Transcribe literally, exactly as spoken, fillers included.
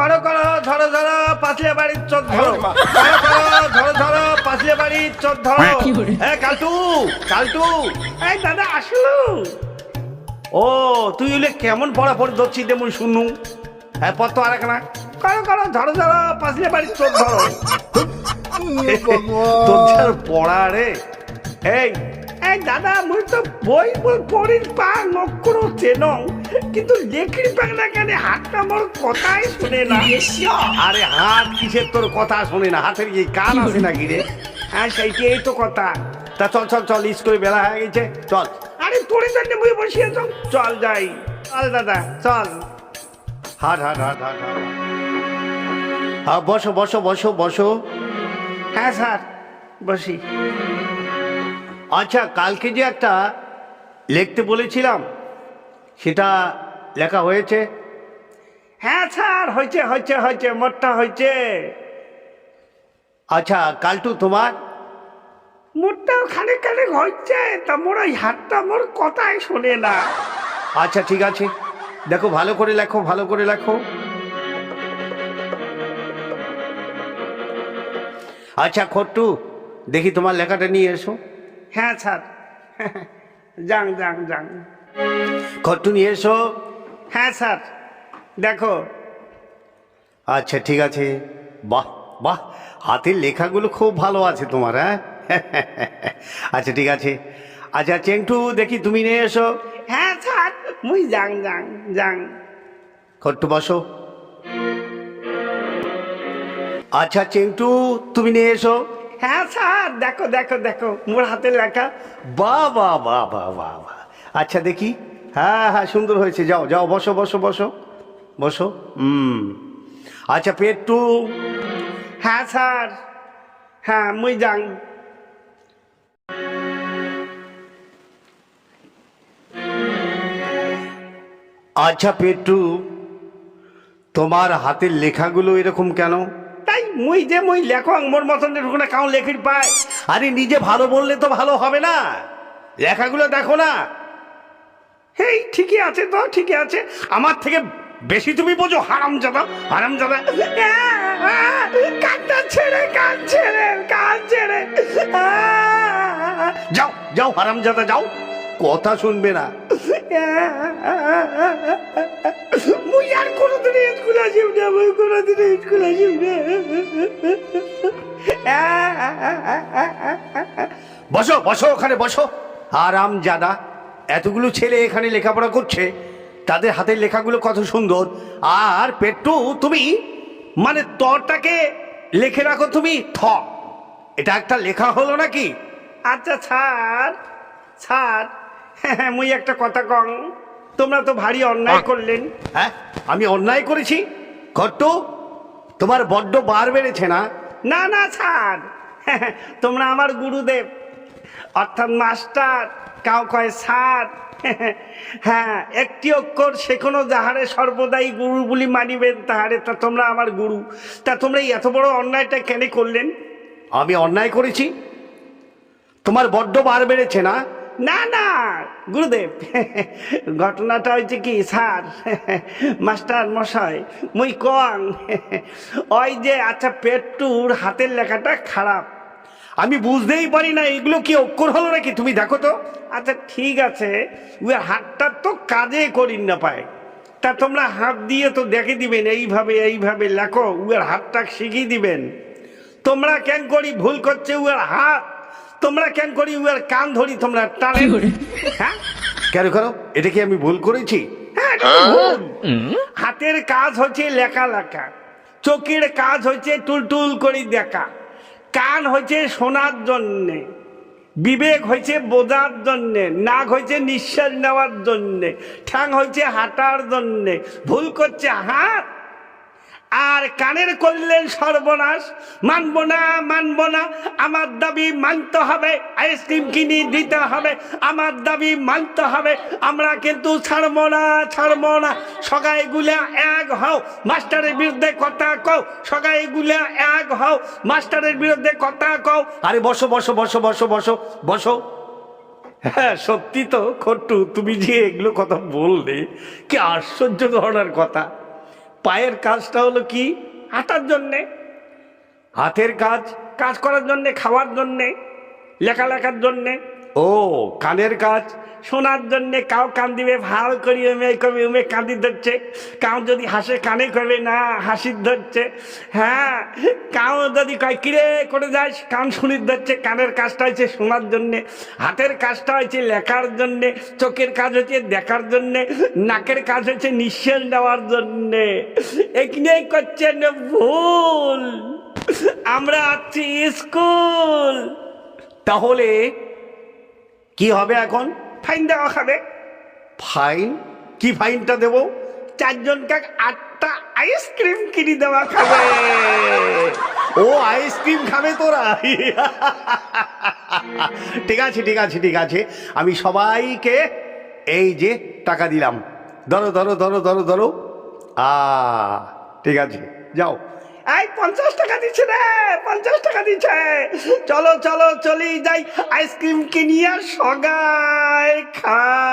করো করো ধরো ধরো পাঁচলে বাড়ির চোদ ধরো, করো করো ধরো ধরো পাঁচলে বাড়ির চোদ ধরো। হ্যাঁ কালটু, কালটু, এই দাদা আসলো। ও তুই হলে কেমন পড়া পড়ে ধরছি তেমন শুনু। হ্যাঁ পর তো আর এক না, করো করো ধরো ধরো পাঁচলে বাড়ির চোদ ধরো। তোর পড়া রে। এই এই দাদা মুই তো বই বই পড়ির পা নক্ষর চেন, কিন্তু লেখির পাগলা কেন হাতটা মোর কথাই শুনে না। আরে হাত কিসের তোর কথা শুনে না, হাতের কি কান আছে নাকি রে? হ্যাঁ সেইটাই তো কথা। তা চল চল চল স্কুলে বেলা হয়ে গেছে চল। আরে তোর জন্য মুই বসিয়ে চল চল যাই, চল দাদা চল। হাট হাট হাট হাট হাট। হ্যাঁ বসো বসো বসো বসো। হ্যাঁ স্যার বসি। আচ্ছা কালকে যে একটা লিখতে বলেছিলাম সেটা লেখা হয়েছে? হ্যাঁ স্যার হয়েছে হয়েছে হয়েছে মোটটা হয়েছে। আচ্ছা কালটু তোমার? মোটটাও খানিক খানিক হচ্ছে, তা মোর ওই হাতটা মোর কথাই শোনে না। আচ্ছা ঠিক আছে, দেখো ভালো করে লেখো ভালো করে লেখো। আচ্ছা খট্টু দেখি তোমার লেখাটা নিয়ে এসো। হ্যাঁ স্যার যাং যাং যাং। খট্টু নিয়ে এসো। হ্যাঁ স্যার দেখো। আচ্ছা ঠিক আছে, বাহ বাহ হাতের লেখাগুলো খুব ভালো আছে তোমার। হ্যাঁ আচ্ছা ঠিক আছে। আচ্ছা চেংটু দেখি তুমি নিয়ে এসো। হ্যাঁ স্যার মুই যাং যাং যাং। খট্টু বসো। আচ্ছা চেংটু তুমি নিয়ে এসো। হ্যাঁ স্যার দেখো দেখো দেখো মোর হাতের লেখা। বাহ বাহ বাহ বাহ বাহ বাহ। আচ্ছা দেখি, হ্যাঁ হ্যাঁ সুন্দর হয়েছে, যাও যাও বসো বসো বসো বসো। হুম আচ্ছা পেট্টু। হ্যাঁ স্যার হ্যাঁ মুই যাং। আচ্ছা পেট্টু তোমার হাতের লেখাগুলো এরকম কেন? তাই মুই যে মুই লেখক মোর মতন না কাউ লেখির পায়। আরে নিজে ভালো বললে তো ভালো হবে না, লেখাগুলো দেখো না। হেই ঠিকই আছে তো ঠিকই আছে, আমার থেকে বেশি তুমি বোঝো হারামজাদা হারামজাদা। কানটা ছেড়ে কান ছেড়ে কান ছেড়ে যাও যাও হারামজাদা যাও, কথা শুনবে না। মুই আর কোনোদিন স্কুল আসিব না, মুই কোনোদিন স্কুল আসিব না। বসো বসো ওখানে বসো। হারামজাদা এতগুলো ছেলে এখানে লেখাপড়া করছে, তাদের হাতের লেখাগুলো কত সুন্দর। আর পেট্টু তুমি মানে তরটাকে লেখে রাখো তুমি থ, এটা একটা লেখা হলো নাকি? আচ্ছা স্যার স্যার হ্যাঁ মুই একটা কথা কং, তোমরা তো ভারী অন্যায় করলেন। হ্যাঁ আমি অন্যায় করেছি? খট্টু তোমার বড্ড বার বেড়েছে না? না না স্যার তোমরা আমার গুরুদেব অর্থাৎ মাস্টার, কাউ কয় স্যার। হ্যাঁ একটি অক্ষর শেখানো যাহারে সর্বদাই গুরু বলি মানিবেন তাহারে, তা তোমরা আমার গুরু, তা তোমরা এত বড় অন্যায়টা কেন করলেন? আমি অন্যায় করেছি? তোমার বড্ড বার বেড়েছে না? না না গুরুদেব ঘটনাটা হয়েছে কি স্যার মাস্টার মশাই মুই কং ওই যে আচ্ছা পেট্টুর হাতের লেখাটা খারাপ, আমি বুঝতেই পারি না এগুলো কি অক্ষর হলো নাকি, তুমি দেখো তো। আচ্ছা ঠিক আছে ওই হাতটা তো কাজে করি না পায়, তা তোমরা হাত দিয়ে তো দেখে দিবেন এইভাবে এইভাবে লেখো, উয়ার হাতটা শিখিয়ে দিবেন। তোমরা কেন করি ভুল করছে উয়ার হাত, তোমরা কেন করি উয়ার কান ধরি তোমরা টানে। হ্যাঁ কেন করো, এটা কি আমি ভুল করেছি? হ্যাঁ হাতের কাজ হচ্ছে লেখা লেখা, চোখের কাজ হচ্ছে টুলটুল করে দেখা, কান হয়েছে শোনার জন্যে, বিবেক হয়েছে বোঝার জন্যে, নাক হয়েছে নিঃশ্বাস নেওয়ার জন্যে, ঠ্যাং হয়েছে হাঁটার জন্যে। ভুল করছে হাত আর কানের করলেন সর্বনাশ। মানবো না মানবো না, আমার দাবি মানতে হবে, আইসক্রিম কিনে দিতে হবে, আমার দাবি মানতে হবে, আমরা কিন্তু ছাড়বো না ছাড়বো না। সগাই গুলা এক হও, মাস্টারের বিরুদ্ধে কথা কও, সগাই গুলা এক হও, মাস্টারের বিরুদ্ধে কথা কও। আরে বসো বসো বসো বসো বসো বসো। হ্যাঁ সত্যি তো খট্টু, তুমি যে এগুলো কথা বললে কি আশ্চর্য ধরনের কথা। পায়ের কাজটা হলো কি? হাঁটার জন্যে। হাতের কাজ? কাজ করার জন্যে, খাওয়ার জন্যে, লেখালেখার জন্যে। ও কানের কাজ? শোনার জন্যে। কাউ কান দিবে ভাল করি উমে কবি উমে কাঁদি ধরছে, কাউ যদি হাসে কানে করবে না হাসির ধরছে। হ্যাঁ, কাউ যদি কয় কিরে করে যায় কান শুনির ধরছে। কানের কাজটা হচ্ছে শোনার জন্যে, হাতের কাজটা হচ্ছে লেখার জন্যে, চোখের কাজ হচ্ছে দেখার জন্যে, নাকের কাজ হচ্ছে নিঃশ্বাস নেওয়ার জন্যে। এখানেই করছেন ভুল। আমরা আছি স্কুল। তাহলে কি হবে এখন? ফাইন দেওয়া খাবে। ফাইন? কি ফাইনটা দেবো? চারজনকে আটটা আইসক্রিম কিনে দেওয়া খাবে। ও আইসক্রিম খাবে তোরা? ঠিক আছে ঠিক আছে ঠিক আছে, আমি সবাইকে এই যে টাকা দিলাম, ধরো ধরো ধরো ধরো ধরো। আ ঠিক আছে, যাও। এই পঞ্চাশ টাকা দিচ্ছে রে, পঞ্চাশ টাকা দিচ্ছে। চলো চলো চলি যাই, আইসক্রিম কিনিয়া সগাই খা।